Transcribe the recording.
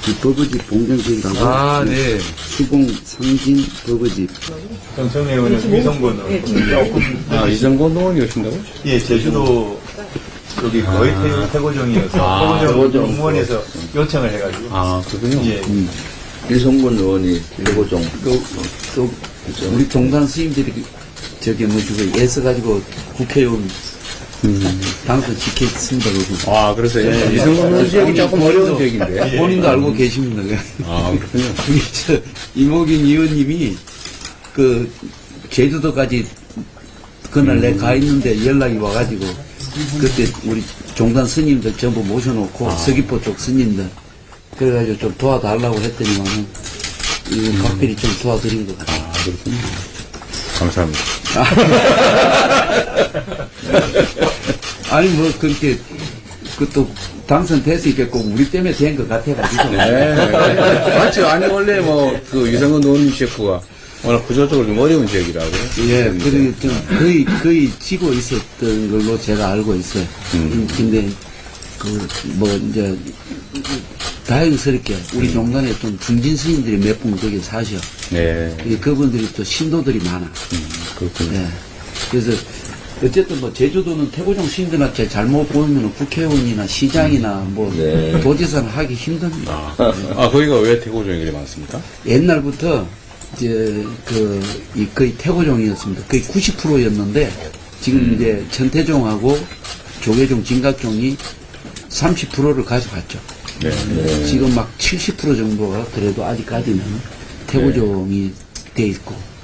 이 버거집 봉정집하고 아, 네. 수봉 상진 버거집. 정청래 의원은 위성군 조금 이정권 의원이 오신다고? 예 제주도 여기 거의 태고정이어서 태고정 공무원에서 요청을 해가지고 아, 그렇군요. 예. 이성군 의원이 태고종. 또 우리 종단 스님들이 저기 뭐지고 애써가지고 국회의원 당선 지켰습니다. 그러고. 아, 그래서 이정권 의원 지역이 조금 어려운 지역인데. 본인도 알고 계십니다. 아, 그렇군요. 우리 이모균 의원님이 그 제주도까지 그날 내 가 있는데 연락이 와가지고 그때 우리 종단 스님들 전부 모셔놓고 서귀포 쪽 스님들 그래가지고 좀 도와달라고 했더니만은 이 각별히 좀 도와드린 것 같아요. 아, 그렇군요. 감사합니다. 아니 뭐 그렇게 그또 당선됐으니까 꼭 우리 때문에 된 것 같아가지고. 네. 맞죠. 아니, 원래 뭐, 그 유성근 의원님 지역구가 워낙 구조적으로 좀 어려운 지역이라고. 예, 그리고 좀 거의 지고 있었던 걸로 제가 알고 있어요. 근데 뭐 이제 다행스럽게 우리 종단에 좀 중진 스님들이 몇 분 거기 사셔. 네. 그분들이 또 신도들이 많아. 그렇군요. 예. 그래서 어쨌든 뭐 제주도는 태고종 스님들한테 잘못 보면 국회의원이나 시장이나 뭐 도지사는 하기 힘듭니다. 거기가 왜 태고종이 그리 많습니까? 옛날부터 이제 거의 태고종이었습니다. 거의 90%였는데 지금 이제 천태종하고 조계종, 진각종이 30%를 가져갔죠. 네. 지금 막 70% 정도가 그래도 아직까지는 태고종이 돼 있고